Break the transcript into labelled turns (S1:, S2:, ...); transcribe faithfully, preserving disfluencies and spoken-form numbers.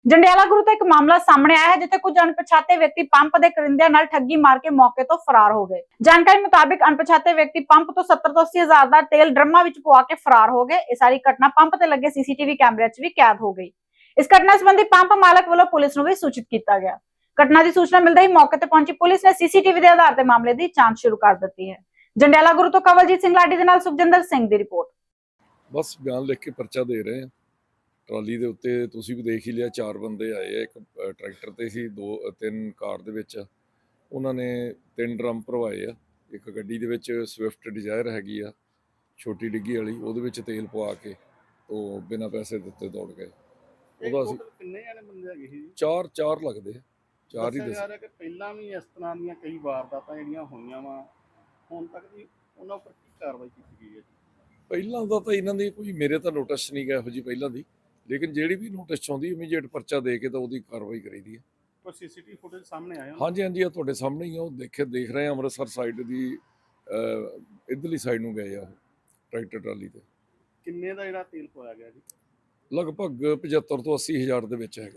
S1: ਜੰਡਿਆਲਾ ਗੁਰੂ ਤੋਂ ਇੱਕ ਮਾਮਲਾ ਸਾਹਮਣੇ ਆਇਆ ਹੈ ਜਿੱਥੇ ਕੁਝ ਅਣਪਛਾਤੇ ਵਿਅਕਤੀ ਪੰਪ ਦੇ ਕਰਿੰਦਿਆਂ ਨਾਲ ਠੱਗੀ ਮਾਰ ਕੇ ਮੌਕੇ ਤੋਂ ਫਰਾਰ ਹੋ ਗਏ। ਜਾਣਕਾਰੀ ਮੁਤਾਬਿਕ ਅਣਪਛਾਤੇ ਵਿਅਕਤੀ ਪੰਪ ਤੋਂ ਸੱਤਰ ਤੋਂ ਅੱਸੀ ਹਜ਼ਾਰ ਦਾ ਤੇਲ ਡਰਮਾਂ ਵਿੱਚ ਪਵਾ ਕੇ ਫਰਾਰ ਹੋ ਗਏ। ਇਹ ਸਾਰੀ ਘਟਨਾ ਪੰਪ ਤੇ ਲੱਗੇ ਸੀਸੀਟੀਵੀ ਕੈਮਰੇ 'ਚ ਵੀ ਕੈਦ ਹੋ ਗਈ। ਇਸ ਘਟਨਾ ਸੰਬੰਧੀ ਪੰਪ ਮਾਲਕ ਵੱਲੋਂ ਪੁਲਿਸ ਨੂੰ ਵੀ ਸੂਚਿਤ ਕੀਤਾ ਗਿਆ। ਘਟਨਾ ਦੀ ਸੂਚਨਾ ਮਿਲਦੇ ਹੀ ਮੌਕੇ ਤੇ ਪਹੁੰਚੀ ਪੁਲਿਸ ਨੇ ਸੀਸੀਟੀਵੀ ਦੇ ਆਧਾਰ ਤੇ ਮਾਮਲੇ ਦੀ ਜਾਂਚ ਸ਼ੁਰੂ ਕਰ ਦਿੱਤੀ ਹੈ। ਜੰਡਿਆਲਾ ਗੁਰੂ ਤੋਂ ਕਵਲਜੀਤ ਸਿੰਘ ਲਾਡੀ ਦੇ ਨਾਲ ਸੁਖਜਿੰਦਰ ਸਿੰਘ ਦੀ ਰਿਪੋर्ट।
S2: बस बयान लिख के परचा दे रहे हैं। ट्राली ਦੇ ਉੱਤੇ ਤੁਸੀਂ ਵੀ ਦੇਖ ਹੀ ਲਿਆ, ਚਾਰ ਬੰਦੇ ਆਏ ਆ, ਇੱਕ ਟਰੈਕਟਰ ਤੇ ਸੀ, ਦੋ ਤਿੰਨ ਕਾਰ ਦੇ ਵਿੱਚ। ਉਹਨਾਂ ਨੇ ਤਿੰਨ ਡਰਮ ਭਰਵਾਏ ਆ। ਇੱਕ ਗੱਡੀ ਦੇ ਵਿੱਚ ਸਵਿਫਟ ਡਿਜ਼ਾਇਰ ਹੈਗੀ ਆ ਛੋਟੀ ਡਿੱਗੀ ਵਾਲੀ, ਉਹਦੇ ਵਿੱਚ ਤੇਲ ਪਵਾ ਕੇ ਉਹ ਬਿਨਾਂ ਪੈਸੇ ਦਿੱਤੇ ਦੌੜ ਗਏ। ਉਹਦਾ ਅਸੀਂ
S3: ਕਿੰਨੇ ਜਾਣੇ ਬੰਦੇ ਹੈਗੇ ਸੀ?
S2: ਚਾਰ ਚਾਰ ਲੱਗਦੇ ਆ, ਚਾਰ ਹੀ
S3: ਦੱਸਿਆ ਜਾ
S2: ਦੱਸ।
S3: ਰਿਹਾ ਕਿ ਪਹਿਲਾਂ ਵੀ ਇਸ ਤਰ੍ਹਾਂ ਦੀਆਂ ਕਈ ਵਾਰਦਾਤਾਂ ਜਿਹੜੀਆਂ ਹੋਈਆਂ ਵਾ, ਹੁਣ ਤੱਕ ਦੀ ਉਹਨਾਂ ਉੱਪਰ ਕੀ ਕਾਰਵਾਈ ਕੀਤੀ ਗਈ ਹੈ?
S2: ਪਹਿਲਾਂ ਦਾ ਤਾਂ ਇਹਨਾਂ ਦੀ ਕੋਈ ਮੇਰੇ ਤਾਂ ਨੋਟਿਸ ਨਹੀਂ ਗਿਆ ਇਹੋ ਜਿਹੀ ਪਹਿਲਾਂ ਦੀ, ਲੇਕਿਨ ਜਿਹੜੀ ਵੀ ਨੋਟਿਸ ਆਉਂਦੀ ਇਮੀਡੀਏਟ ਪਰਚਾ ਦੇ ਕੇ ਤਾਂ ਉਹਦੀ ਕਾਰਵਾਈ ਕਰੀਦੀ ਹੈ।
S3: ਕੋਈ ਸੀਸੀਟੀਵੀ ਫੁਟੇਜ ਸਾਹਮਣੇ ਆਇਆ?
S2: ਹਾਂਜੀ ਹਾਂਜੀ, ਆ ਤੁਹਾਡੇ ਸਾਹਮਣੇ ਹੀ ਆ, ਉਹ ਦੇਖੇ ਦੇਖ ਰਹੇ ਆ। ਅੰਮ੍ਰਿਤਸਰ ਸਾਈਡ ਦੀ ਇੱਧਰਲੀ ਸਾਈਡ ਨੂੰ ਗਏ ਆ ਉਹ ਟਰੈਕਟਰ ਟਰਾਲੀ ਤੇ।
S3: ਕਿੰਨੇ ਦਾ ਜਿਹੜਾ ਤੇਲ ਪਵਾਇਆ ਗਿਆ ਜੀ?
S2: ਲਗਭਗ ਪਝੱਤਰ ਤੋਂ ਅੱਸੀ ਹਜ਼ਾਰ ਦੇ ਵਿੱਚ ਹੈਗਾ।